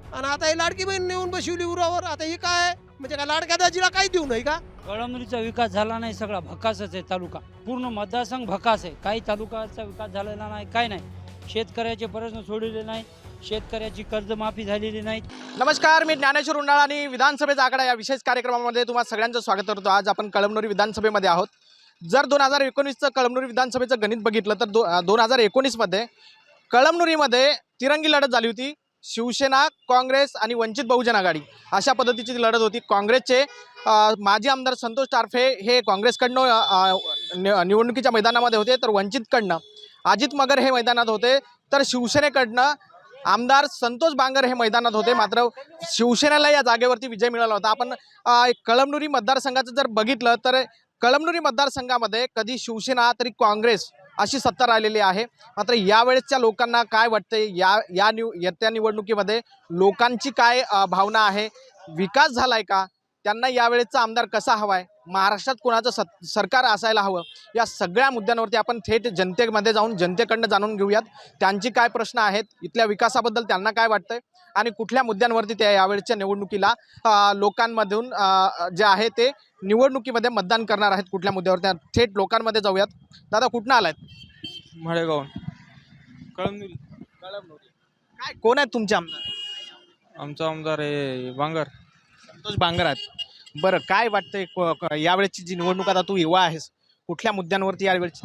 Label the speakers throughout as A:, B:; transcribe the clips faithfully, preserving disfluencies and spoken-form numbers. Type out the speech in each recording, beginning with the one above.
A: आणि आता ही लाडकी बहीण नेऊन बसवली उरावर. आता ही काय म्हणजे काय लाडक्या दाजीला काही देऊ नाही का?
B: कळमनुरीचा विकास झाला नाही, सगळा भकासच आहे तालुका. पूर्ण मतदारसंघ भकास आहे. काही तालुक्याचा विकास झालेला नाही, काय नाही. शेतकऱ्याचे प्रश्न सोडलेले नाही, शेतकऱ्याची कर्जमाफी झालेली नाही.
C: नमस्कार, मी ज्ञानेश्वर उंडाळ आणि विधानसभेचा आकडा या विशेष कार्यक्रमामध्ये तुम्हा सगळ्यांचं स्वागत करतो. आज आपण कळमनुरी विधानसभेमध्ये आहोत. जर दोन हजार एकोणीसचं कळमनुरी विधानसभेचं गणित बघितलं तर दो दोन हजार एकोणीसमध्ये कळमनुरीमध्ये तिरंगी लढत झाली होती. शिवसेना, काँग्रेस आणि वंचित बहुजन आघाडी अशा पद्धतीची लढत होती. काँग्रेसचे माजी आमदार संतोष टारफे हे काँग्रेसकडनं निवडणुकीच्या मैदानामध्ये होते, तर वंचितकडनं अजित मगर हे मैदानात होते, तर शिवसेनेकडनं आमदार संतोष बांगर हे मैदानात होते. मात्र शिवसेनेला या जागेवरती विजय मिळाला होता. आपण कळमनुरी मतदारसंघाचं जर बघितलं तर कळमनुरी मतदारसंघामध्ये कधी शिवसेना तरी काँग्रेस अशी सत्ता राहिलेली आहे. मात्र यावेळेसच्या लोकांना काय वाटते, या या निव येत्या निवडणुकीमध्ये लोकांची काय भावना आहे, विकास झालाय का, त्यांना यावेळेसचा आमदार कसा हवा आहे, महाराष्ट्रात कोणाचं सत सरकार असायला हवं, या सगळ्या मुद्द्यांवरती आपण थेट जनतेमध्ये जाऊन जनतेकडनं जाणून घेऊयात. त्यांची काय प्रश्न आहेत, इथल्या विकासाबद्दल त्यांना काय वाटतंय आणि कुठल्या मुद्द्यांवरती ते यावेळेसच्या निवडणुकीला लोकांमधून जे आहे ते निवडणुकीमध्ये मतदान करणार आहेत, कुठल्या मुद्द्यावर त्या थेट लोकांमध्ये जाऊयात. दादा कुठनं आलायत?
D: मळेगाव कळमनुरी.
C: कळमनुरी. काय कोण आहेत तुमचे आमदार?
D: आमचा आमदार आहे बांगर.
C: संतोष बांगर आहेत. बरं, काय वाटतंय यावेळेची जी निवडणूक, आता तू युवा आहेस, कुठल्या मुद्द्यांवरती यावेळेची?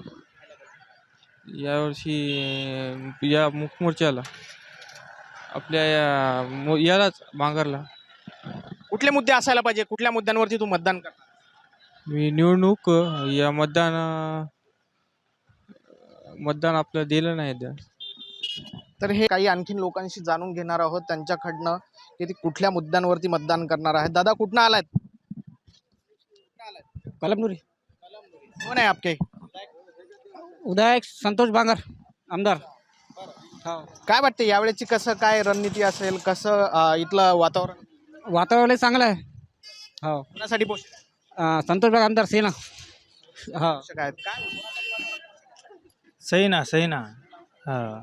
D: यावर्षी या मुखमोर्चाला आपल्या या मो- यालाच बांगरला
C: कुठले मुद्दे असायला पाहिजे, कुठल्या मुद्द्यांवरती तू मतदान करणार?
D: मी निवडणूक या मतदान मतदान आपलं दिलं नाही द्या.
C: तर हे काही आणखीन लोकांशी जाणून घेणार आहोत त्यांच्याकडनं की ते कुठल्या मुद्द्यांवरती मतदान करणार आहेत. दादा कुठनं आलायत?
B: कळमनुरी.
C: कोण आहे आपके?
B: उदय संतोष बांगर आमदार.
C: काय वाटते यावेळेची कसं काय रणनीती असेल, कसं अं, इथलं वातावरण
B: वातावरण चांगलं आहे. हो,
C: कोणासाठी पोषक
B: संतोष बाग आमदार सेना. हा,
C: आहेत? काय
E: सही ना सही ना हां.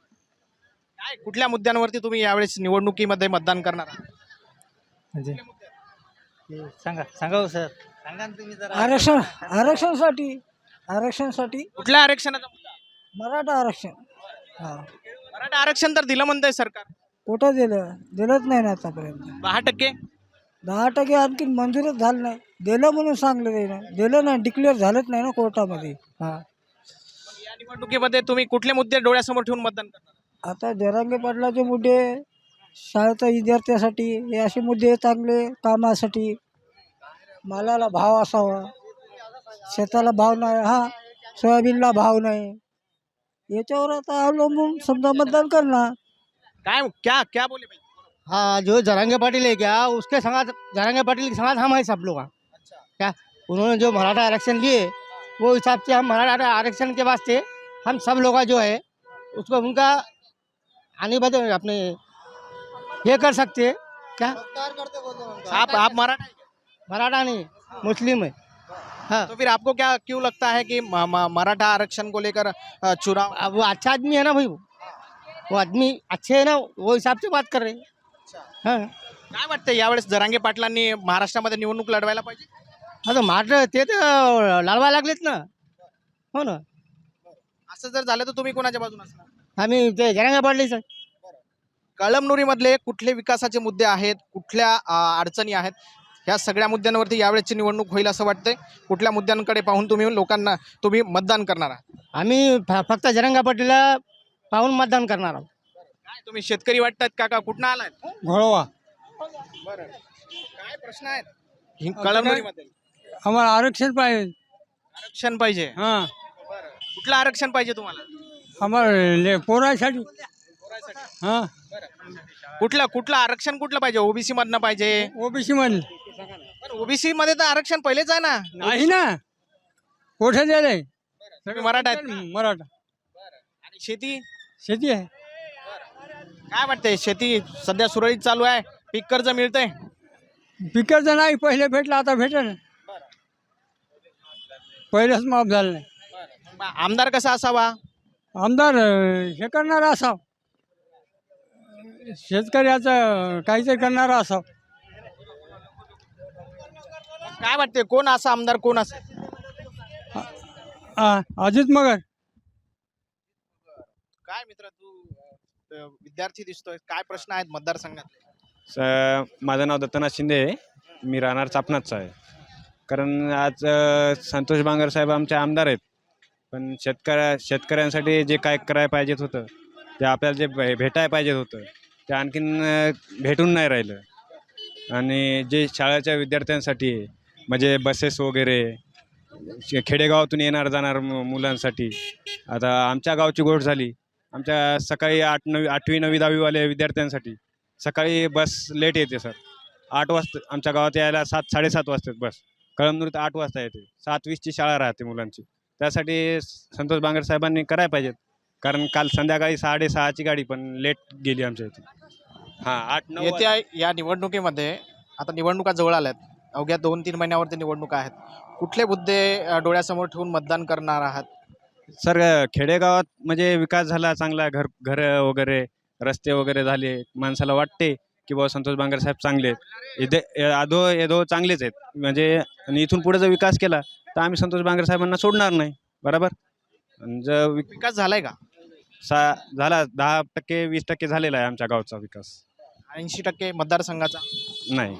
C: काय कुठल्या मुद्द्यांवरती तुम्ही यावेळेस निवडणुकीमध्ये मतदान करणार आहात?
E: म्हणजे हे सांगा सांगा हो सर, सांगा ना तुम्ही जरा.
F: आरक्षण आरक्षणासाठी आरक्षणासाठी
C: कुठल्या आरक्षणाचा मुद्दा?
F: मराठा आरक्षण. हा,
C: मराठा आरक्षण तर दिलं म्हणतंय सरकार.
F: कुठं दिलं दिलंच नाही ना आतापर्यंत.
C: दहा टक्के
F: दहा टक्के आणखी मंजूरच झालं नाही. दिलं म्हणून सांगलं ना, दिलं नाही, डिक्लेअर झालंच नाही ना कोर्टामध्ये. हां,
C: या निवडणुकीमध्ये तुम्ही कुठले मुद्दे डोळ्यासमोर ठेवून मतदान करणार?
F: आता जरांगे पाटलाचे मुद्दे, शाळेच्या विद्यार्थ्यासाठी, हे असे मुद्दे चांगले, कामासाठी, मालाला भाव असावा, शेताला भाव नाही, हा सोयाबीनला भाव नाही, याच्यावर आता अवलंबून समजा मतदान करणार.
C: काय क्या क्या बोले भाई?
G: हाँ, जो जरांगे पाटिल है क्या, उसके संग जरांगे पाटिल के संग हम हैं सब लोग। क्या उन्होंने जो मराठा आरक्षण लिए, वो हिसाब से हम मराठा आरक्षण के वास्ते हम सब लोग जो है उसको उनका आने बाद अपने ये कर सकते हैं। क्या
C: आप आप मराठा हैं क्या?
G: मराठा नहीं, मुस्लिम है। हाँ,
C: तो फिर आपको क्या क्यों लगता है कि म- म- मराठा आरक्षण को लेकर अ, चुनाव?
G: अब वो अच्छा आदमी है ना भाई, वो वो आदमी अच्छे है ना, वो हिसाब से बात कर रहे हैं। हाँ
C: काय वाटतं यावेळेस जरांगे पाटलांनी महाराष्ट्रामध्ये निवडणूक लढवायला पाहिजे?
G: हाँ, तो मार ते तर लढवा लागलेत ना. हो ना,
C: असं जर झालं तर तुम्ही कोणाच्या बाजूने असणार?
G: आम्ही ते जरांगे पाटील.
C: कळमनुरीमधले कुठले विकासाचे मुद्दे आहेत, कुठल्या अ, अडचणी आहेत, ह्या सगळ्या मुद्द्यांवरती यावेळेची निवडणूक होईल असं वाटतंय. कुठल्या मुद्द्यांकडे पाहून तुम्ही लोकांना तुम्ही मतदान करणार आहात?
G: आम्ही फ- फक्त जरंगा पाटीलला पाहून मतदान करणार आहोत.
C: काय तुम्ही शेतकरी वाटतात काका, कुठनं आलाय?
B: घोळवा.
C: बरं, काय प्रश्न आहेत हि- कळमनुरीमध्ये?
B: आम्हाला आरक्षण पाहिजे.
C: आरक्षण पाहिजे.
B: हां,
C: कुठलं आरक्षण पाहिजे तुम्हाला?
B: आम्हाला पोरासाठी. हां,
C: कुठलं कुठलं आरक्षण कुठलं पाहिजे? ओबीसी मधनं पाहिजे?
B: ओबीसी मध्ये
C: ओबीसी मध्ये तर आरक्षण पहिलेच आहे ना.
B: नाही ना, कुठे दिलंय?
C: तुम्ही मराठा आहेत का?
B: मराठा.
C: आणि शेती
B: शेती आहे.
C: काय वाटतंय? शेती सध्या सुरळीत चालू आहे, पीक कर्ज मिळतंय?
B: पिकाचं नाही, पहिले भेटलं आता भेटेल. पहिलेच माफ झालं नाही.
C: मग आमदार कसा असावा?
B: आमदार अं, हे करणार असा
E: शेतकऱ्याचं काहीतरी करणारा असं.
C: काय वाटते कोण असा आमदार कोण असा
E: अजित मगर.
C: काय मित्र तू अ, विद्यार्थी दिसतोय काय प्रश्न आहेत मतदारसंघात?
H: स माझं नाव दत्तनाथ शिंदे आहे. मी राहणार चापणातचा आहे. कारण आज अ, संतोष बांगर साहेब आमचे आमदार आहेत, पण शेतकऱ्या शेतकऱ्यांसाठी जे काय करायला पाहिजेत होतं ते आपल्याला जे भे भेटायला पाहिजेत होतं ते आणखीन अ, भेटून नाही राहिलं. आणि जे शाळेच्या विद्यार्थ्यांसाठी म्हणजे बसेस वगैरे शे- खेडेगावातून येणार जाणार मु मुलांसाठी आता आमच्या गावची गोष्ट झाली. आमच्या सकाळी आठ नवी आठवी नववी दहावीवाल्या विद्यार्थ्यांसाठी सकाळी बस लेट येते सर. आठ वाजता आमच्या गावात यायला सात साडेसात वाजतात बस. कळमनुरीत आठ वाजता येते. सात वीसची शाळा राहते मुलांची. त्यासाठी संतोष बांगर साहेबांनी करायला पाहिजेत. कारण काल संध्याकाळी साडेसहाची गाडी पण लेट गेली आमच्या इथे. हां आठ नऊ
C: येत्या या निवडणुकीमध्ये आता निवडणुका जवळ आल्यात, अवघ्या दोन तीन महिन्यावरती निवडणुका आहेत. कुठले मुद्दे अ, डोळ्यासमोर ठेवून मतदान करणार आहात?
H: सर खेडेगावात म्हणजे विकास झाला चांगला. घर घरं वगैरे रस्ते वगैरे झाले. माणसाला वाटते की बाबा संतोष बांगर साहेब चांगले आहेत. इथे आधो येधो चांगलेच आहेत. म्हणजे आणि इथून पुढे जर विकास केला तर आम्ही संतोष बांगर साहेबांना सोडणार नाही. बरोबर. आणि जर वि-
C: विकास झालाय का?
H: सा झाला दहा टक्के वीस टक्के झालेला आहे आमच्या गावचा विकास.
C: ऐंशी टक्के मतदारसंघाचा
H: नाही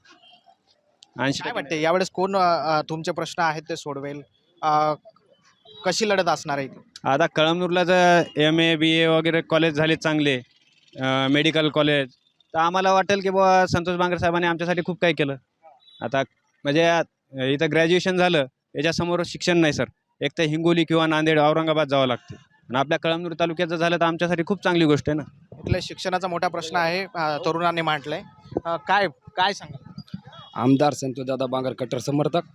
H: ऐंशी
C: काय वाटते यावेळेस कोण अ, अ, तुमचे प्रश्न आहेत ते सोडवेल? अ, कशी लढत असणार आहे इथे?
H: आता कळमनूरला जर एम ए बी ए वगैरे कॉलेज झाले चांगले, मेडिकल कॉलेज, तर आम्हाला वाटेल की बाबा संतोष बांगर साहेबांनी आमच्यासाठी खूप काही केलं. आता म्हणजे अ, इथं ग्रॅज्युएशन झालं याच्यासमोर शिक्षण नाही सर. एक तर हिंगोली किंवा नांदेड औरंगाबाद जावं लागते. आणि आपल्या कळमनूर तालुक्यात जर झालं तर आमच्यासाठी खूप चांगली गोष्ट आहे ना.
C: इथल्या शिक्षणाचा मोठा प्रश्न आहे, अ, तरुणांनी मांडलाय. अ, काय काय सांगा?
I: आमदार संतोषदादा बांगर कट्टर समर्थक.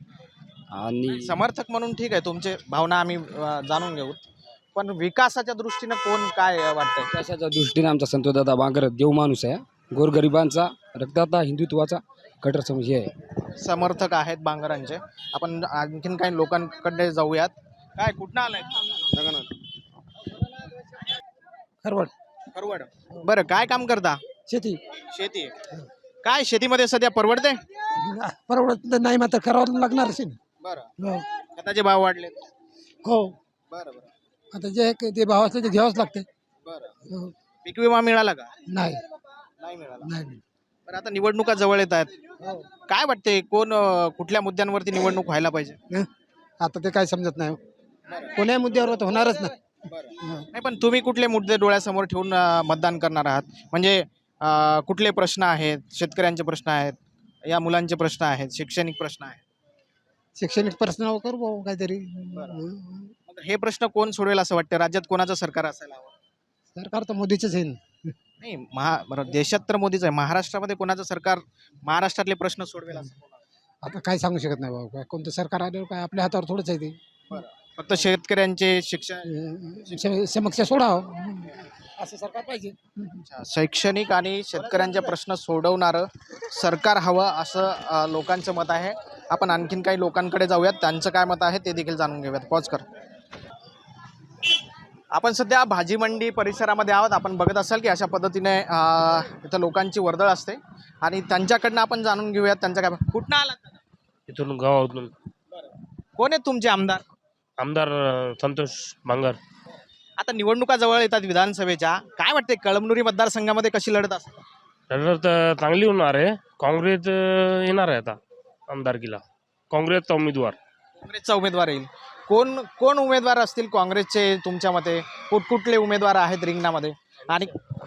I: आणि
C: समर्थक म्हणून ठीक आहे, तुमचे भावना आम्ही अ, जाणून घेऊ, पण विकासाच्या दृष्टीनं कोण काय वाटतंय?
I: विकासाच्या दृष्टीने आमचा संतोषदादा बांगर देव माणूस आहे. गोरगरिबांचा रक्तदाता हिंदुत्वाचा कट्टर सम हे आहे.
C: समर्थक आहेत बांगरांचे. आपण आणखीन काही लोकांकडे जाऊयात. काय कुठनं आलाय?
F: खरवड.
C: परवड. बरं काय काम करता?
F: शेती.
C: शेती. काय शेतीमध्ये सध्या परवडते?
F: परवडत नाही मात्र करावं लागणार असेल.
C: बरं. खताचे भाव वाढले.
F: हो.
C: बरं बरं
F: आता जे ते भाव असले ते घ्यावंच लागते.
C: बरं. पीक विमा मिळाला का?
F: नाही
C: नाही मिळाला.
F: नाही
C: बरं आता निवडणुका जवळ येत आहेत. काय वाटते कोण अ, कुठल्या मुद्द्यांवरती निवडणूक व्हायला पाहिजे?
F: आता ते काय समजत नाही. कोण्या मुद्द्यावर तर होणारच नाही.
C: नाही पण तुम्ही कुठले मुद्दे डोळ्यासमोर ठेवून अ, मतदान करणार आहात? म्हणजे अ, कुठले प्रश्न आहेत? शेतकऱ्यांचे प्रश्न आहेत, या मुलांचे प्रश्न आहेत, शैक्षणिक प्रश्न आहेत.
F: शैक्षणिक प्रश्न करू भाऊ काहीतरी.
C: मग हे प्रश्न कोण सोडवेल असं वाटतं? राज्यात कोणाचं सरकार असायला हवं?
F: सरकार तर मोदीचंच आहे.
C: नाही महा बरं, देशात तर मोदीच आहे. महाराष्ट्रामध्ये कोणाचं सरकार महाराष्ट्रातले प्रश्न सोडवेल असं कोण?
F: आता काय सांगू शकत नाही भाऊ. काय कोणतं सरकार आल्यावर काय आपल्या हातावर थोडंच आहे ते.
C: फक्त शेतकऱ्यांचे शिक्षण
F: स- समस्या सोडावं असं सरकार पाहिजे.
C: शैक्षणिक आणि शेतकऱ्यांचे प्रश्न सोडवणारं सरकार हवं असं अ, लोकांचं मत आहे. आपण आणखीन काही लोकांकडे जाऊयात, त्यांचं काय मत आहे ते देखील जाणून घेऊयात. पॉज कर. आपण सध्या भाजी मंडी परिसरामध्ये आहोत. आपण बघत असाल की अशा पद्धतीने अ, इथं लोकांची वर्दळ असते आणि त्यांच्याकडनं आपण जाणून घेऊयात त्यांचं काय. कुठनं आलात?
J: इथून गावातून.
C: कोण आहेत तुमचे आमदार?
J: आमदार अ, संतोष बांगर.
C: आता निवडणुका जवळ येतात विधानसभेच्या. काय वाटते कळमनुरी मतदारसंघामध्ये कशी लढत असते?
J: तर तर चांगली होणार आहे. काँग्रेस अ, येणार आहे आता आमदारकीला. काँग्रेसचा उमेदवार.
C: काँग्रेसचा उमेदवार येईल. कोण कोण उमेदवार असतील काँग्रेसचे तुमच्या मते? कुठकुठले उमेदवार आहेत रिंगणामध्ये? आणि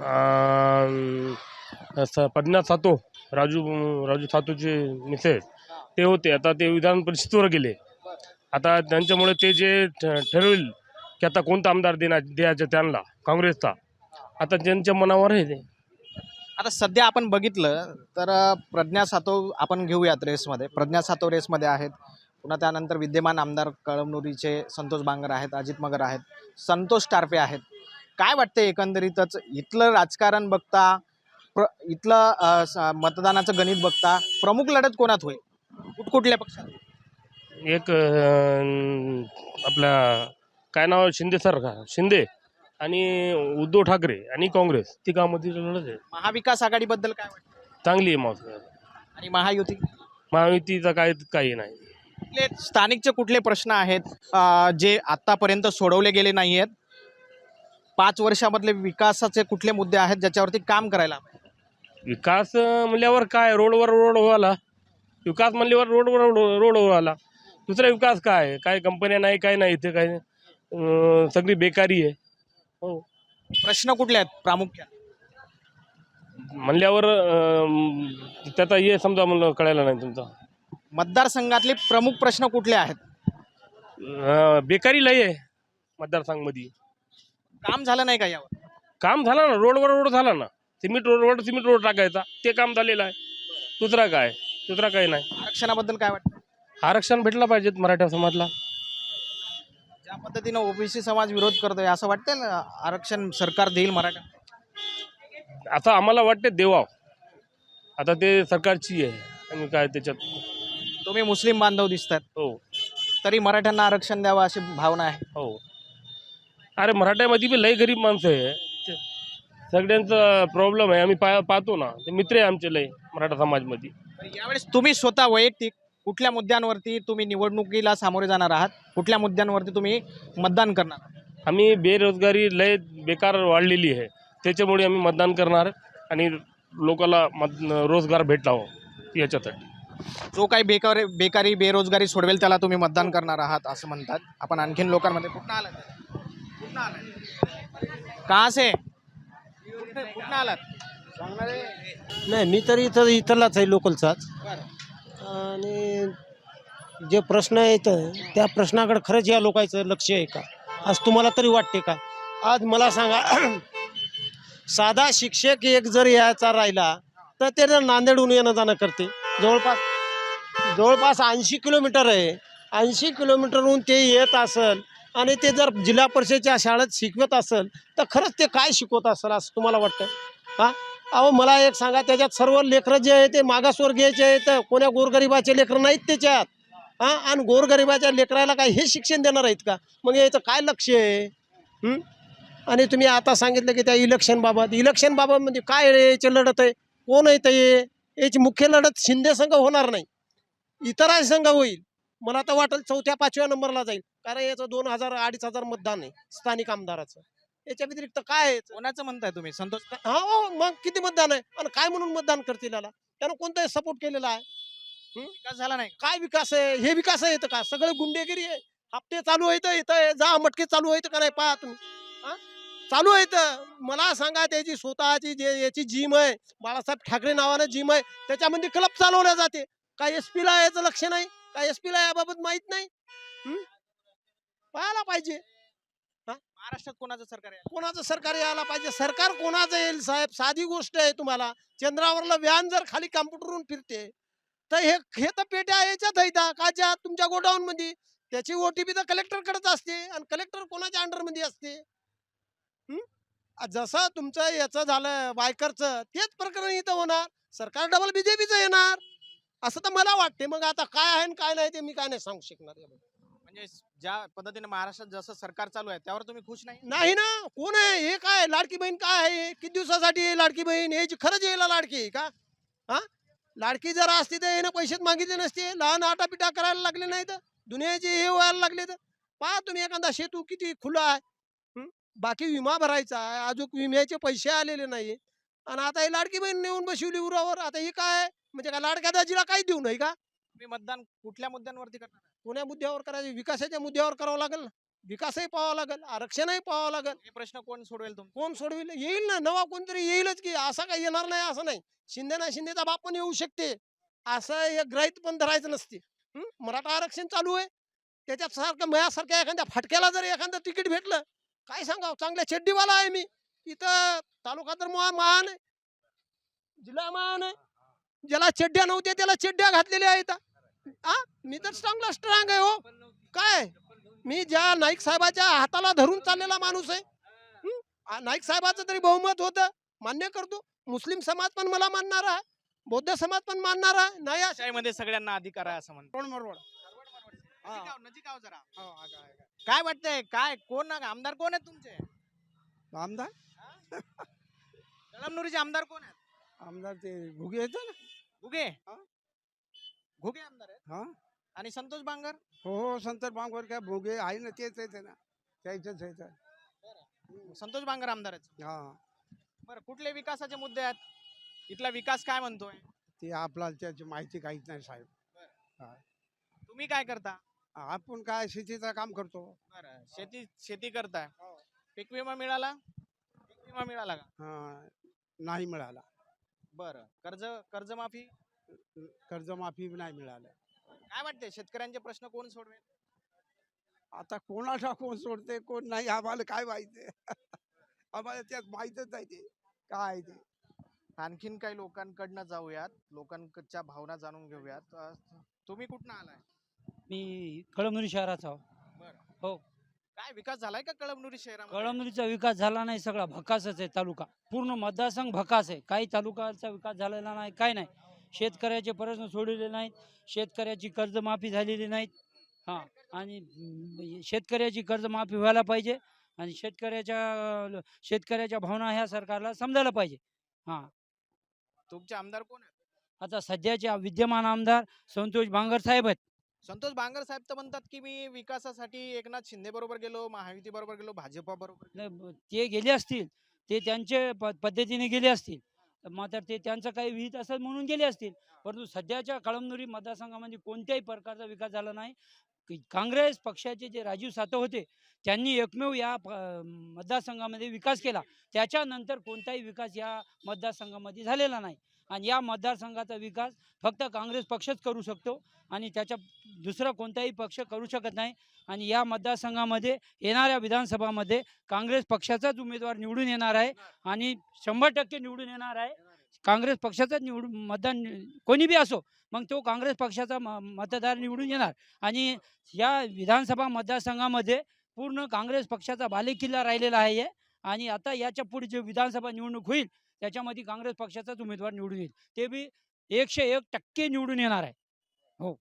J: अ, स- पद्मनाथ सातो, राजू राजू सातोचे मिसेस ते होते. आता ते विधान परिषदेवर गेले. आता त्यांच्यामुळे ते जे ठ- ठरवेल की आता कोणता आमदार देणार द्यायचं त्यांना काँग्रेसचा, आता त्यांच्या मनावर आहे ते.
C: आता सध्या आपण बघितलं तर अ, प्रज्ञा सातव आपण घेऊयात रेसमध्ये. प्रज्ञा सातव रेसमध्ये आहेत. पुन्हा त्यानंतर विद्यमान आमदार कळमनुरीचे संतोष बांगर आहेत, अजित मगर आहेत, संतोष टारफे आहेत. काय वाटते एकंदरीतच इथलं राजकारण बघता, प्र इथलं अ, स- मतदानाचं गणित बघता प्रमुख लढत कोणात होईल? कुठकुठल्या पक्षात?
J: एक अ, आपला काय नाव आहे? शिंदे सर का शिंदे आणि उद्धव ठाकरे आणि काँग्रेस तिघांमध्ये लढत आहे.
C: महाविकास आघाडीबद्दल काय वाटतं
J: चांगली आहे मावशी.
C: आणि महायुती
J: महायुतीचा काय काही नाही.
C: कुठले स्थानिकचे कुठले प्रश्न आहेत अ, जे आतापर्यंत सोडवले गेले नाही आहेत? पाच वर्षामधले विकासाचे कुठले मुद्दे आहेत ज्याच्यावरती काम करायला हवं?
J: विकास अं, म्हणल्यावर काय रोडवर रोड व्हायला, विकास म्हणल्यावर रोडवर रोड रोड व्हायला. दुसरा विकास काय आहे? काय कंपन्या नाही, काय नाही इथे, काय अं, सगळी बेकारी आहे. हो,
C: प्रश्न कुठले आहेत प्रामुख्याने?
J: म्हणल्यावर अं, त्याचा हे समजा म्हणलं कळायला नाही तुमचा.
C: मतदारसंघातले प्रमुख प्रश्न कुठले आहेत?
J: अं, बेकारी लय आहे मतदारसंघामध्ये.
C: काम झालं नाही का यावर?
J: काम झालं ना, रोडवर रोड झाला ना, सिमेंट रोडवर सिमेंट रोड टाकायचा, ते काम झालेलं आहे. दुसरा काय, दुसरा काही नाही.
C: आरक्षणाबद्दल काय वाटतं?
J: आरक्षण भेटलं पाहिजेत मराठा समाजला.
C: ज्या पद्धतीनं ओबीसी समाज विरोध करतोय असं वाटतं ना आरक्षण सरकार देईल मराठा?
J: आता आम्हाला वाटते देवाव, आता ते सरकारची आहे आणि काय त्याच्यात.
C: तुम्ही मुस्लिम बांधव दिसतात,
J: हो
C: तरी मराठ्यांना आरक्षण द्यावं अशी भावना आहे.
J: हो. अरे मराठ्यामध्ये बी लय गरीब माणसं आहे, ते सगळ्यांचा प्रॉब्लेम आहे. आम्ही पा पाहतो ना, ते मित्र आहे आमचे लय मराठा समाजमध्ये.
C: तर यावेळेस तुम्ही स्वतः वैयक्तिक कुठल्या मुद्द्यांवरती तुम्ही निवडणुकीला सामोरे जाणार आहात? कुठल्या मुद्द्यांवरती तुम्ही मतदान करणार आहात?
J: आम्ही बेरोजगारी लय बेकार वाढलेली आहे, त्याच्यामुळे आम्ही मतदान करणार आणि लोकांना मत रोजगार भेटावं याच्यासाठी.
C: जो काही बेकार बेकारी बेरोजगारी सोडवेल त्याला तुम्ही मतदान करणार आहात असं म्हणतात. आपण आणखीन लोकांमध्ये कुठं आलात? कुठं आलात? कहाँ से? कुठं आलात?
A: नाही, मी तर इथं इथलाच आहे, लोकलचाच. आणि जे प्रश्न आहेत त्या प्रश्नाकडे खरंच या लोकांचं लक्ष आहे का असं तुम्हाला तरी वाटते का? आज मला सांगा, साधा शिक्षक एक जर यायचा राहिला तर ते नांदेडहून येणं जाणं करते. जवळपास जवळपास ऐंशी किलोमीटर आहे. ऐंशी किलोमीटरहून ते येत असेल आणि ते जर जिल्हा परिषदेच्या शाळेत शिकवत असेल तर खरंच ते काय शिकवत असेल असं तुम्हाला वाटतं? हां, अहो मला एक सांगा, त्याच्यात सर्व लेकरं जे आहे ते मागासवर्गीयचे आहेत, कोण्या गोरगरिबाचे लेकरं नाहीत त्याच्यात. हां, आणि गोरगरिबाच्या लेकराला काय हे शिक्षण देणार आहेत का? मग याचं काय लक्ष आहे? हं? आणि तुम्ही आता सांगितलं की त्या इलेक्शनबाबत इलेक्शनबाबत काय रे याची लढत आहे? कोण आहे ते? याची मुख्य लढत शिंदे संघ होणार नाही, इतर संघ होईल. मला तर वाटेल चौथ्या पाचव्या नंबरला जाईल, कारण याचं दोन हजार अडीच हजार मतदान आहे स्थानिक आमदाराचं. याच्या व्यतिरिक्त काय आहे?
C: कोणाचं म्हणताय तुम्ही? संतोष
A: हा, हो, मग किती मतदान आहे आणि काय म्हणून मतदान करतील याला? त्यानं कोणताही सपोर्ट केलेला आहे?
C: विकास झाला नाही?
A: काय विकास आहे? हे विकास आहे का? सगळं गुंडेगिरी आहे. हप्ते चालू आहेत, इथं जा मटके चालू आहेत का नाही पहा तुम्ही. हा, चालू आहेत. मला सांगा, त्याची स्वतःची जे याची जिम आहे, बाळासाहेब ठाकरे नावानं जिम आहे, त्याच्यामध्ये क्लब चालवल्या जाते. काय एस पीला याचं लक्ष नाही? काय एस पीला याबाबत माहीत नाही? पाहायला पाहिजे.
C: महाराष्ट्रात कोणाचं सरकार आहे?
A: कोणाचं सरकार यायला पाहिजे? सरकार कोणाचं येईल साहेब? साधी गोष्ट आहे. तुम्हाला चंद्रावरला व्यान जर खाली कॉम्प्युटरवरून फिरते तर हे हे तर पेट्या याच्यात आहेत काच्या तुमच्या गोडाऊन मध्ये. त्याची ओटीपी तर कलेक्टरकडेच असते आणि कलेक्टर कोणाच्या अंडरमध्ये असते? जसं तुमचं याचं झालं बायकरचं, तेच प्रकरण इथं होणार. सरकार डबल बीजेपीचं येणार असं तर मला वाटते. मग आता काय आहे आणि काय नाही ते मी काय नाही सांगू शकणार.
C: म्हणजे ज्या पद्धतीने महाराष्ट्रात जसं सरकार चालू आहे त्यावर तुम्ही खुश नाही?
A: नाही ना. कोण आहे हे? काय लाडकी बहीण काय आहे? किती दिवसासाठी आहे लाडकी बहीण? याची खरंच यायला लाडकी आहे का? हा, लाडकी जर असती तर यानं पैसेच मागितले नसते. लहान आटापिटा करायला लागले नाही तर दुनियाचे हे व्हायला लागले. तर पहा तुम्ही एखादा शेतू किती खुला आहे, बाकी विमा भरायचा आहे, अजून विम्याचे पैसे आलेले नाही. आणि आता ही लाडकी बहीण नेऊन बसवली उरावर. आता ही काय म्हणजे काय लाडक्या दाजीला काही देऊ नाही का?
C: तुम्ही मतदान कुठल्या मुद्द्यांवरती करणार?
A: कोण्या मुद्द्यावर करायचे? विकासाच्या मुद्द्यावर करावं लागेल ना. विकासही पाहावा लागेल, आरक्षणही पाहावं लागेल.
C: हे प्रश्न कोण सोडवेल? तुम
A: कोण सोडविल? येईल ना, नवा कोणतरी येईलच की. असं काही येणार नाही असं नाही. शिंदे ना शिंदेचा बाप पण येऊ शकते, असं हे ग्रहित पण धरायचं नसते. मराठा आरक्षण चालू आहे, त्याच्यात सारखं मयासारख्या एखाद्या फटक्याला जर एखादं तिकीट भेटलं, काय सांगावं, चांगल्या चड्डीवाला आहे मी. इथं तालुका तर महान आहे, जिल्हा महान आहे. ज्याला चड्ड्या नव्हत्या त्याला चड्ड्या घातलेल्या आहेत. हा, मी तर चांगला स्ट्रॉंग आहे हो. काय मी ज्या नाईक साहेबाच्या हाताला धरून चाललेला माणूस आहे. नाईक साहेबाचं तरी बहुमत होतं, मान्य करतो. मुस्लिम समाज पण मला मानणार आहे, बौद्ध समाज पण मानणार आहे. नाही
C: मध्ये सगळ्यांना अधिकार आहे असं म्हणतो. काय वाटतंय? काय कोण आमदार कोण आहेत तुमचे?
K: आमदार
C: कळमनुरीचे आमदार कोण आहेत?
K: आमदार ते घुगे येतं ना.
C: घुगे
K: हा.
C: घुगे आमदार आहेत
K: हा
C: आणि संतोष बांगर.
K: हो हो संतर बांगवर काय भुगे आहे ना, तेच येते ना, त्याच्याच येतं.
C: संतोष बांगर आमदार आहेत.
K: हा
C: बरं, कुठले विकासाचे मुद्दे आहेत? इथला विकास काय म्हणतोय?
K: ते आपल्याला त्याची माहिती काहीच नाही साहेब.
C: तुम्ही काय करता?
K: आपण काय शेतीचं काम करतो.
C: बरं, शेती शेती करताय. पीक विमा मिळाला? पीक विमा मिळाला का?
K: हा नाही मिळाला.
C: बरं, कर्ज कर्जमाफी
K: कर्जमाफी नाही मिळालं.
C: काय वाटते शेतकऱ्यांचे प्रश्न कोण सोडवेल?
K: आता कोणाला कोण सोडते कोण नाही आम्हाला काय माहिती. आम्हाला त्यात माहीतच नाही ते काय ते.
C: आणखीन काही लोकांकडनं जाऊयात, लोकांच्या भावना जाणून घेऊयात. अ, तुम्ही कुठनं आलाय?
B: मी कळमनुरी शहराचा आहो.
C: बरं.
B: हो.
C: काय विकास झालाय का कळमनुरी शहरामध्ये?
B: कळमनुरीचा विकास झाला नाही, सगळा भकासच आहे तालुका. पूर्ण मतदारसंघ भकास आहे. काही तालुक्याचा विकास झालेला नाही, काय नाही. शेतकऱ्याचे प्रश्न सोडलेले नाहीत, शेतकऱ्याची कर्जमाफी झालेली नाहीत. हां, आणि म, शेतकऱ्याची कर्जमाफी व्हायला पाहिजे आणि शेतकऱ्याच्या शेतकऱ्याच्या भावना ह्या सरकारला समजायला पाहिजे. हां,
C: तुमचे आमदार कोण आहेत?
B: आता सध्याचे विद्यमान आमदार संतोष बांगर साहेब आहेत.
C: संतोष बांगर साहेब तर म्हणतात की मी विकासासाठी एकनाथ शिंदे बरोबर गेलो, महायुती बरोबर गेलो, भाजपा बरोबर गेलो.
B: नाही, ब- ते गेले असतील, ते त्यांचे प पद्धतीने गेले असतील, मात्र ते त्यांचं काही विहित असेल म्हणून गेले असतील. परंतु सध्याच्या कळमनुरी मतदारसंघामध्ये कोणत्याही प्रकारचा विकास झाला नाही. की काँग्रेस पक्षाचे जे राजीव सातव होते, त्यांनी एकमेव या प- मतदारसंघामध्ये विकास केला. त्याच्यानंतर कोणताही विकास या मतदारसंघामध्ये झालेला नाही. आणि या मतदारसंघाचा विकास फक्त काँग्रेस पक्षच करू शकतो आणि त्याच्या दुसरा कोणताही पक्ष करू शकत नाही. आणि या मतदारसंघामध्ये येणाऱ्या विधानसभामध्ये काँग्रेस पक्षाचाच उमेदवार निवडून येणार आहे आणि शंभर टक्के निवडून येणार आहे. काँग्रेस पक्षाचाच निवडून मतदान कोणी बी असो, मग तो काँग्रेस पक्षाचा म मतदार निवडून येणार. आणि या विधानसभा मतदारसंघामध्ये पूर्ण काँग्रेस पक्षाचा बालेकिल्ला राहिलेला आहे. आणि आता याच्या पुढे जे विधानसभा निवडणूक होईल त्याच्यामध्ये काँग्रेस पक्षाचाच उमेदवार निवडून येईल. ते बी एकशे एक टक्के निवडून येणार आहे. हो.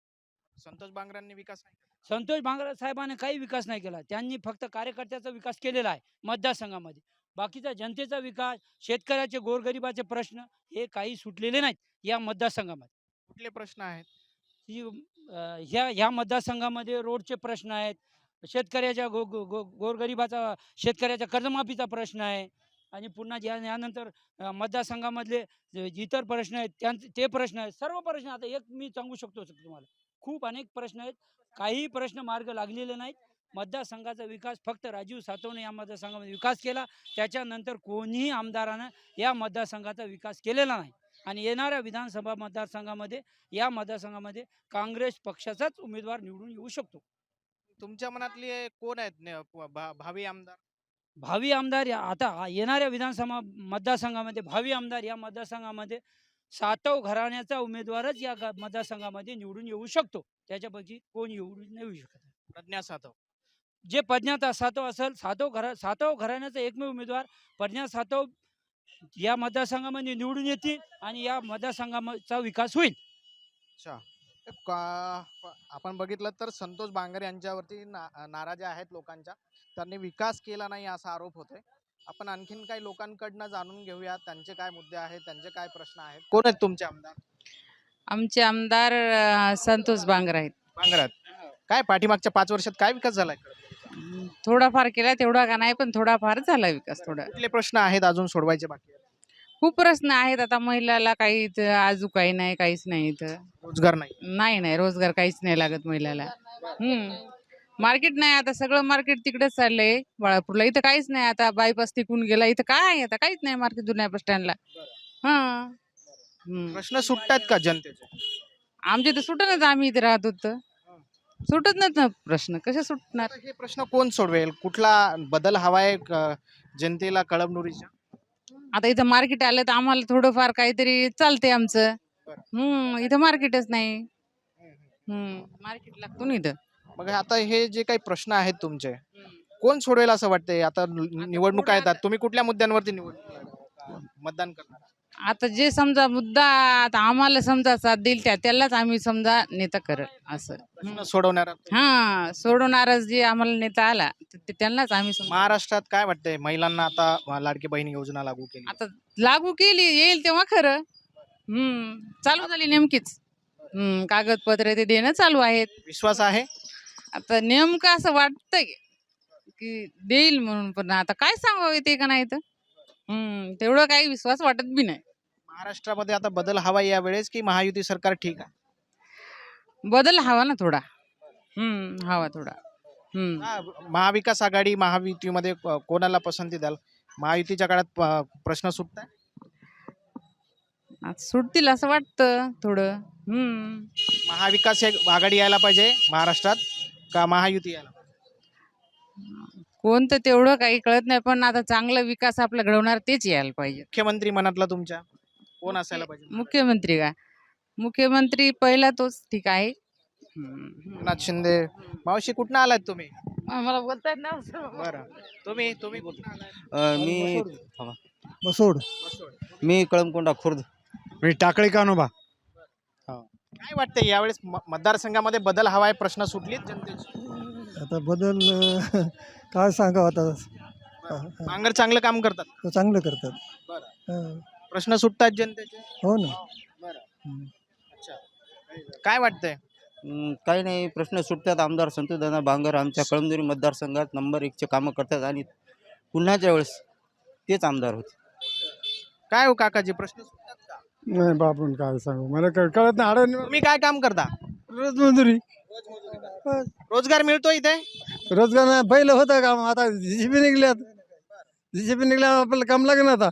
C: संतोष बांगरांनी विकास नाही केला.
B: संतोष बांगर साहेबांनी काही विकास नाही केला. त्यांनी फक्त कार्यकर्त्याचा विकास केलेला आहे मतदारसंघामध्ये. बाकीचा जनतेचा विकास, शेतकऱ्याचे गोरगरिबाचे प्रश्न हे काही सुटलेले नाहीत या मतदारसंघामध्ये.
C: कुठले प्रश्न आहेत?
B: ही अ, ह्या ह्या मतदारसंघामध्ये रोडचे प्रश्न आहेत, शेतकऱ्याच्या गो गो गो गोरगरिबाचा शेतकऱ्याच्या कर्जमाफीचा प्रश्न आहे. आणि पुन्हा ज्या यानंतर अ, मतदारसंघामधले जे इतर प्रश्न आहेत त्यांचे ते प्रश्न आहेत. सर्व प्रश्न आता एक मी सांगू शकतो सर तुम्हाला. खूप अनेक प्रश्न आहेत. काही प्रश्न मार्ग लागलेले नाहीत. मतदारसंघाचा विकास फक्त राजीव सातवने या मतदारसंघामध्ये विकास केला. त्याच्यानंतर कोणीही आमदारानं या मतदारसंघाचा विकास केलेला नाही. आणि येणाऱ्या विधानसभा मतदारसंघामध्ये या मतदारसंघामध्ये काँग्रेस पक्षाचाच उमेदवार निवडून येऊ शकतो.
C: तुमच्या मनातले कोण आहेत ने- भा- भावी आमदार?
B: भावी आमदार या आता येणाऱ्या विधानसभा मतदारसंघामध्ये भावी आमदार या मतदारसंघामध्ये सातव घराण्याचा उमेदवारच या गा- मतदारसंघामध्ये निवडून येऊ शकतो. त्याच्यापैकी कोण निवडून नाही येऊ शकत.
C: प्रज्ञा सातव.
B: जे प्रज्ञा सातव असेल, सातव घरा सातव घराण्याचा एकमेव उमेदवार प्रज्ञा सातव या मतदारसंघामध्ये निवडून येतील आणि या मतदारसंघाचा विकास होईल.
C: अच्छा. का- आपण बघितलं तर संतोष बांगर यांच्यावरती ना नाराजी आहेत लोकांच्या. त्यांनी विकास केला नाही असा आरोप होतोय. आपण आणखीन काही लोकांकडनं जाणून घेऊया त्यांचे काय मुद्दे आहेत, त्यांचे काय प्रश्न आहेत. कोण आहेत तुमचे आमदार?
L: आमचे आमदार अ, संतोष बांगर आहेत.
C: बांगरात काय पाठीमागच्या पाच वर्षात काय विकास झालाय?
L: अं, थोडाफार केला, तेवढा का नाही, पण थोडाफार झाला विकास. थोडा
C: कुठले प्रश्न आहेत अजून सोडवायचे बाकी आहेत?
L: खूप प्रश्न आहेत. आता महिलाला काही इथं आजू काही नाही, काहीच नाही इथं.
C: रोजगार नाही.
L: नाही नाही रोजगार काहीच नाही लागत महिलाला. हम्म मार्केट नाही, आता सगळं मार्केट तिकडेच चाललंय बाळापूरला. इथं काहीच नाही. आता बायपास तिकून गेला, इथं काय आहे आता? काहीच नाही मार्केट जुन्या बस स्टँडला. हा हम्म
C: प्रश्न सुटतात का जनतेचे?
L: आमच्या इथं सुटतच, आम्ही इथे राहत होतो सुटत नाहीत ना प्रश्न. कसे सुटणार?
C: आता हे प्रश्न कोण सोडवेल? कुठला बदल हवाय क- जनतेला कळमनुरीच्या?
L: आता इथं मार्केट आलं तर आम्हाला थोडंफार काहीतरी चालते आमचं. हम्म इथं मार्केटच नाही. हम्म मार्केट लागतो ना इथं.
C: मग आता हे जे काही प्रश्न आहेत तुमचे कोण सोडवेल असं वाटतंय? आता नि- निवडणुका येतात, तुम्ही कुठल्या मुद्द्यांवरती निवड मतदान करणार?
L: आता जे समजा मुद्दा आता आम्हाला समजा साथ देईल त्या त्यालाच आम्ही समजा नेता करल असं.
C: प्रश्न सोडवणारा
L: हा सोडवणारच जे आम्हाला नेता आला ते- ते त्यांनाच आम्ही समजा.
C: महाराष्ट्रात काय वाटतंय महिलांना आता लाडकी बहीण योजना लागू केली
L: आता लागू केली येईल तेव्हा खरं. हम्म चालू झाली नेमकीच. हम्म कागदपत्र ते देणं चालू आहेत.
C: विश्वास आहे
L: आता नेमकं असं वाटतंय की देईल म्हणून, पण आता काय सांगावं येते का नाही तर. हम्म तेवढं काही विश्वास वाटत बी नाही.
C: महाराष्ट्रामध्ये आता बदल हवा यावेळेस की महायुती सरकार ठीक आहे?
L: बदल हवा ना थोडा. हम्म हवा थोडा. हम्म
C: हा, महाविकास आघाडी महायुतीमध्ये को- कोणाला पसंती द्याल? महायुतीच्या काळात प- प्रश्न सुटताय?
L: आता सुटतील असं वाटतं थोडं. हम्म
C: महाविकास एक आघाडी यायला पाहिजे महाराष्ट्रात का महायुती यायला पाहिजे?
L: कोणतं तेवढं काही कळत नाही, पण आता चांगला विकास आपला घडवणार तेच यायला पाहिजे.
C: मुख्यमंत्री मनातला तुमच्या कोण असायला पाहिजे?
L: मुख्यमंत्री का मुख्यमंत्री पहिला तोच ठीक आहे. हम्म.
C: एकनाथ शिंदे. मावशी कुठनं आलात तुम्ही?
L: मला बोलता येत नाही.
C: बरं तुम्ही तुम्ही कुठनं आलात?
E: मी
F: बसोड
E: मी कळमकोंडा खुर्द.
F: मी टाकळी कानोबा.
C: काय वाटतंय यावेळेस म- मतदारसंघामध्ये बदल हवाय प्रश्न सुटलीत जनतेची?
F: आता बदल अं, काय सांगावं आता.
C: बांगर चांगलं काम करतात,
F: चांगलं करतात.
C: बरं प्रश्न सुटतात जनतेचे.
F: हो ना.
C: बरं अच्छा काय वाटतंय?
E: काही नाही, प्रश्न सुटतात. आमदार संतोषदादा बांगर आमच्या कळमनुरी मतदारसंघात नंबर एकचे कामं करतात आणि पुन्हाच्या वेळेस तेच आमदार होते.
C: काय हो काकाजी प्रश्न सुटतात का?
F: नाही बापून काय सांगू मला कळत नाही.
C: तुम्ही काय काम करता?
F: रोज मजुरी.
C: रोजगार मिळतो इथे?
F: रोजगार नाही, पहिलं होतं काम, आता जीसीबी निघल्यात. जीसीबी निघल्या आपल्याला काम लागेल आता.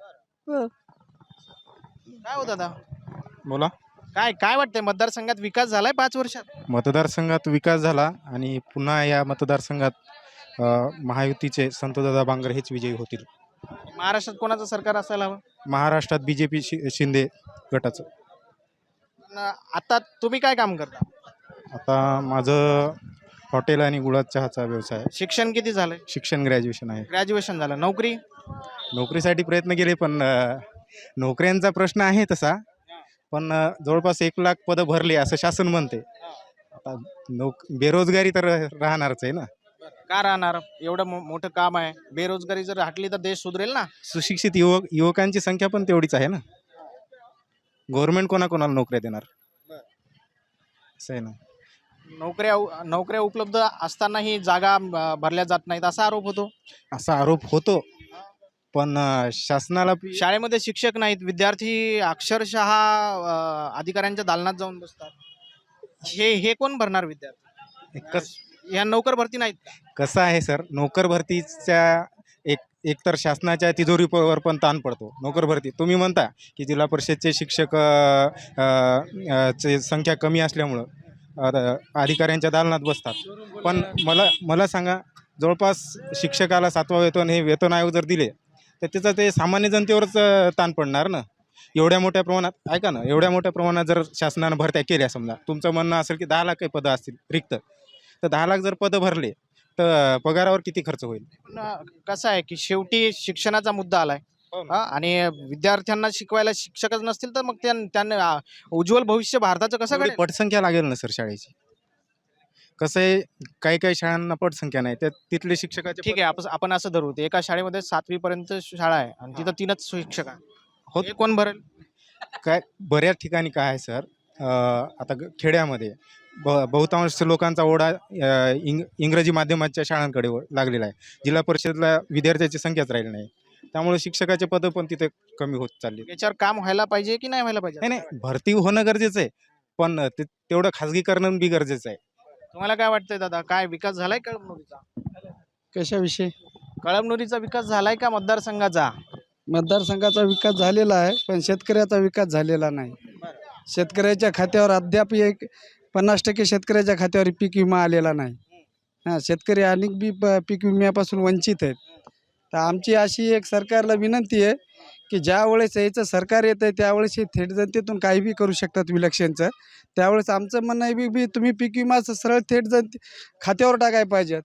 C: काय होत आता?
M: बोला.
C: काय काय वाटतंय मतदारसंघात विकास झालाय पाच वर्षात?
M: मतदारसंघात विकास झाला आणि पुन्हा या मतदारसंघात अ, महायुतीचे संतोषदादा बांगर हेच विजयी होतील.
C: महाराष्ट्रात कोणाचं सरकार असायला हवं?
M: महाराष्ट्रात बी जे पी शिंदे गटाचं.
C: न- आता तुम्ही काय काम करता?
M: आता माझं हॉटेल आणि गुळात चहाचा व्यवसाय आहे.
C: शिक्षण किती झालंय?
M: शिक्षण ग्रॅज्युएशन आहे.
C: ग्रॅज्युएशन झालं. नोकरी?
M: नोकरीसाठी प्रयत्न केले पण अ, नोकऱ्यांचा प्रश्न आहे तसा, पण अ, जवळपास एक लाख पदं भरली असं शासन म्हणते. आता नोक बेरोजगारी तर राहणारच आहे ना.
C: का राहणार? एवढं मो- मोठं काम आहे. बेरोजगारी जर हटली तर देश सुधरेल ना.
M: सुशिक्षित युवक युवकांची संख्या पण तेवढीच आहे ना. गव्हर्नमेंट कोणाकोणाला नोकऱ्या देणार असं आहे ना.
C: नोकऱ्या उ- नोकऱ्या उपलब्ध असतानाही जागा अं, भरल्या जात नाहीत असा आरोप होतो.
M: असा आरोप होतो, पण अ, शासनाला
C: शाळेमध्ये शिक्षक नाहीत, विद्यार्थी अक्षरशः अं, अधिकाऱ्यांच्या दालनात जाऊन बसतात. हे हे कोण भरणार विद्यार्थी?
M: कस
C: या नोकर भरती नाहीत का?
M: कसं आहे सर, नोकर भरतीच्या एक एकतर शासनाच्या तिजोरीवर पण ताण पडतो. नोकर भरती तुम्ही म्हणता की जिल्हा परिषदचे शिक्षक अ, अ, अ, चे संख्या कमी असल्यामुळं अ, अधिकाऱ्यांच्या दालनात बसतात. पण मला मला सांगा, जवळपास शिक्षकाला सातवा वेतन हे वेतन आयोग जर दिले तर त्याचं ते सामान्य जनतेवरच अ, ताण पडणार ना. एवढ्या मोठ्या प्रमाणात ऐका ना, एवढ्या मोठ्या प्रमाणात जर शासनानं भरत्या केल्या, समजा तुमचं म्हणणं असेल की दहा लाख काही पदं असतील रिक्त, तर दहा लाख जर पदं भरले तर पगारावर किती खर्च होईल?
C: पण, अं, कसं आहे की शेवटी शिक्षणाचा मुद्दा आलाय. हा, आणि विद्यार्थ्यांना शिकवायला शिक्षकच नसतील तर मग त्यां- त्यांना अं, उज्ज्वल भविष्य भारताचं कसं
M: एवढी
C: घडेल?
M: पटसंख्या लागेल ना सर शाळेची. कसं आहे, काही काही शाळांना पटसंख्या नाही, त्या तिथले शिक्षकाचे
C: ठीक आहे, आपण आपण असं धरू ते एका शाळेमध्ये सातवी पर्यंत शाळा आहे आणि तिथं तीनच शिक्षक आहे.
M: हो.
C: हे कोण भरेल?
M: काय बऱ्याच ठिकाणी काय आहे सर, अं, आता ग- खेड्यामध्ये ब बहुतांश लोकांचा ओढा अं, इंग इंग्रजी माध्यमाच्या शाळांकडे व- लागलेला आहे. जिल्हा परिषदला विद्यार्थ्याची संख्याच राहिली नाही, त्यामुळे शिक्षकाचे पदं पण तिथे कमी होत चालली.
C: याच्यावर काम व्हायला पाहिजे की नाही व्हायला पाहिजे?
M: नाही नाही, भरती होणं गरजेचं आहे, पण ते तेवढं खाजगीकरण बी गरजेचं आहे.
C: तुम्हाला काय वाटतंय दादा, काय विकास झालाय कळमनुरीचा?
F: कशाविषयी?
C: कळमनुरीचा विकास झालाय का मतदारसंघाचा?
F: मतदारसंघाचा विकास झालेला आहे, पण शेतकऱ्याचा विकास झालेला नाही. शेतकऱ्याच्या खात्यावर अद्याप एक पन्नास टक्के शेतकऱ्याच्या खात्यावर पीक विमा आलेला नाही. हां, शेतकरी अनेक बी प पीक विम्यापासून वंचित आहेत. तर आमची अशी एक सरकारला विनंती आहे की ज्या वेळेस याचं सरकार येतं आहे त्यावेळेस हे थेट जनतेतून काही बी करू शकतात विलक्षणचं. त्यावेळेस आमचं म्हणणं आहे बी बी तुम्ही पीक विमाचं सरळ थेट जनते खात्यावर टाकायला पाहिजेत.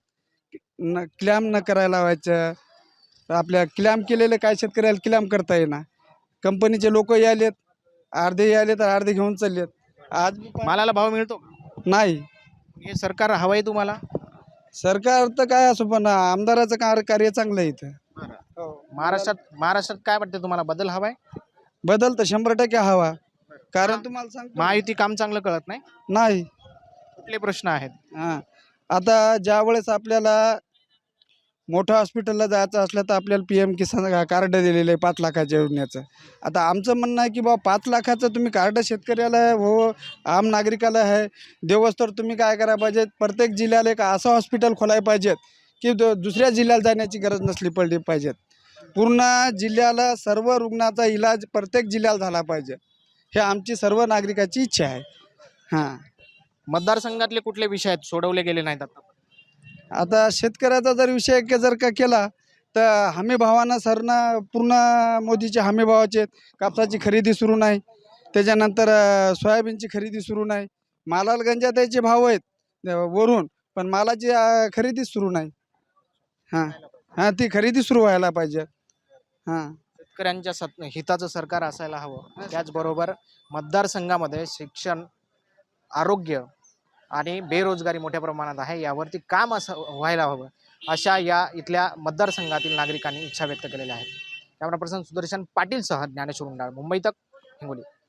F: न क्लॅम न करायला लावायचं. आपल्या क्लॅम केलेलं काय शेतकऱ्याला क्लॅम करता येईना.
K: कंपनीचे लोक यायलेत, अर्धे यायले तर अर्धे घेऊन चाललेत. आज
C: मालाला भाव मिळतो का?
K: नाही.
C: हे सरकार हवंय तुम्हाला?
K: सरकार तर काय असो पण आमदाराचं कार कार्य चांगलं आहे इथं.
C: महाराष्ट्रात महाराष्ट्रात काय वाटतं तुम्हाला, बदल हवाय?
K: बदल तर शंभर टक्के हवा. कारण तुम्हाला सांगतो
C: महायुती काम चांगलं कळत नाही?
K: नाही.
C: कुठले प्रश्न आहेत?
K: हां, आता ज्या वेळेस आपल्याला मोठ्या हॉस्पिटलला जायचं असलं तर आपल्याला पी एम किसान कार्ड दिलेलं आहे पाच लाखाच्या योजनेचं. आता आमचं म्हणणं आहे की बाबा पाच लाखाचं तुम्ही कार्ड शेतकऱ्याला हो आम नागरिकाला आहे देवस, तर तुम्ही काय करायला पाहिजे, प्रत्येक जिल्ह्याला एक असं हॉस्पिटल खोलायला पाहिजेत की दु दुसऱ्या जिल्ह्याला जाण्याची गरज नसली पडली पाहिजेत. पूर्ण जिल्ह्याला सर्व रुग्णाचा इलाज प्रत्येक जिल्ह्याला झाला पाहिजे. हे आमची सर्व नागरिकाची इच्छा आहे. हां,
C: मतदारसंघातले कुठले विषय आहेत सोडवले गेले नाहीत आता?
K: आता शेतकऱ्याचा जर विषय के जर का केला तर हमी भावानं सरनं पूर्ण मोदीचे हमी भावाचे कापसाची खरेदी सुरू नाही, त्याच्यानंतर अ, सोयाबीनची खरेदी सुरू नाही, मालाला गंजा त्याचे भाव आहेत अ, वरून, पण मालाची अ, खरेदी सुरू नाही. हां हां ती खरेदी सुरू व्हायला पाहिजे. हां,
C: शेतकऱ्यांच्या सत हिताचं सरकार असायला हवं. त्याचबरोबर मतदारसंघामध्ये शिक्षण, आरोग्य आणि बेरोजगारी मोठ्या प्रमाणात आहे, यावरती काम असं व्हायला हवं, अशा या इथल्या मतदारसंघातील नागरिकांनी इच्छा व्यक्त केलेल्या आहेत. कॅमेरा पर्सन सुदर्शन पाटीलसह ज्ञानेश्वर उंडाळ, मुंबई तक, हिंगोली.